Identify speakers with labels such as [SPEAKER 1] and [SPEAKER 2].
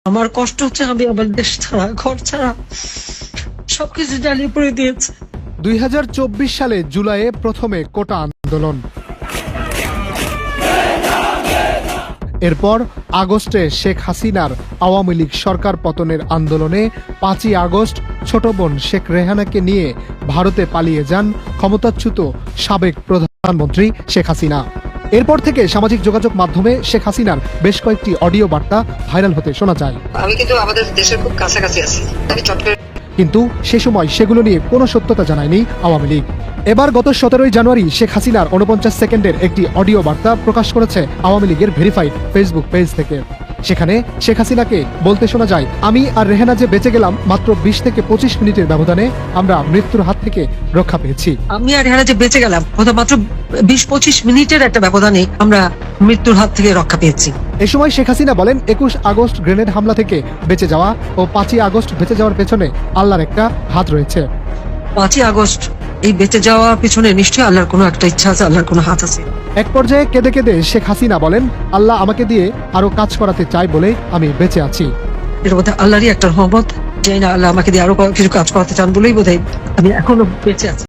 [SPEAKER 1] আমার কষ্ট হচ্ছে, আমি আমার দেশ ছাড়া, ঘর ছাড়া সবকিছু জ্বালিয়ে পড়ে দিয়েছে।
[SPEAKER 2] 2024 সালে জুলাইয়ে প্রথমে কোটা আন্দোলন, এরপর আগস্টে শেখ হাসিনার আওয়ামী লীগ সরকার পতনের আন্দোলনে 5ই আগস্ট ছোট বোন শেখ রেহানাকে নিয়ে ভারতে পালিয়ে যান ক্ষমতাচ্যুত সাবেক প্রধানমন্ত্রী শেখ হাসিনা। এরপর থেকে সামাজিক যোগাযোগ মাধ্যমে শেখ হাসিনার বেশ কয়েকটি অডিও বার্তা ভাইরাল হতে শোনা যায়।
[SPEAKER 1] আমি কিন্তু আমাদের দেশের খুব কাছাকাছি আছি, আমি চট করে।
[SPEAKER 2] কিন্তু সে সময় সেগুলো নিয়ে কোনো সত্যতা জানায়নি আওয়ামী লীগ। এবার গত 17ই জানুয়ারি শেখ হাসিনার 49 সেকেন্ডের একটি অডিও বার্তা প্রকাশ করেছে আওয়ামী লীগের ভেরিফাইড ফেসবুক পেজ থেকে। সেখানে শেখ হাসিনাকে বলতে শোনা যায়, আমি আর রেহানা যে বেঁচে গেলাম মাত্র 20 থেকে 25 মিনিটের ব্যবধানে আমরা মৃত্যুর হাত থেকে রক্ষা পেয়েছি।
[SPEAKER 1] আমি আর রেহানা যে বেঁচে গেলাম মাত্র 20-25 মিনিটের একটা ব্যবধানে আমরা মৃত্যুর হাত থেকে রক্ষা পেয়েছি।
[SPEAKER 2] এ সময় শেখ হাসিনা বলেন, 21 আগস্ট গ্রেনেড হামলা থেকে বেঁচে যাওয়া ও 5ই আগস্ট বেঁচে যাওয়ার পেছনে আল্লাহর একটা হাত রয়েছে।
[SPEAKER 1] 5ই আগস্ট এই বেঁচে যাওয়ার পিছনে নিশ্চয়ই আল্লাহর কোনো একটা ইচ্ছা আছে, আল্লাহর কোনো হাত আছে।
[SPEAKER 2] এক পর্যায়ে কেঁদে কেঁদে শেখ হাসিনা বলেন, আল্লাহ আমাকে দিয়ে আরো কাজ করাতে চাই বলে আমি বেঁচে আছি।
[SPEAKER 1] এর মধ্যে আল্লাহরই একটা রহমত, জানি না আল্লাহ আমাকে দিয়ে আরো কিছু কাজ করাতে চান বলেই বোধহয় আমি এখনো বেঁচে আছি।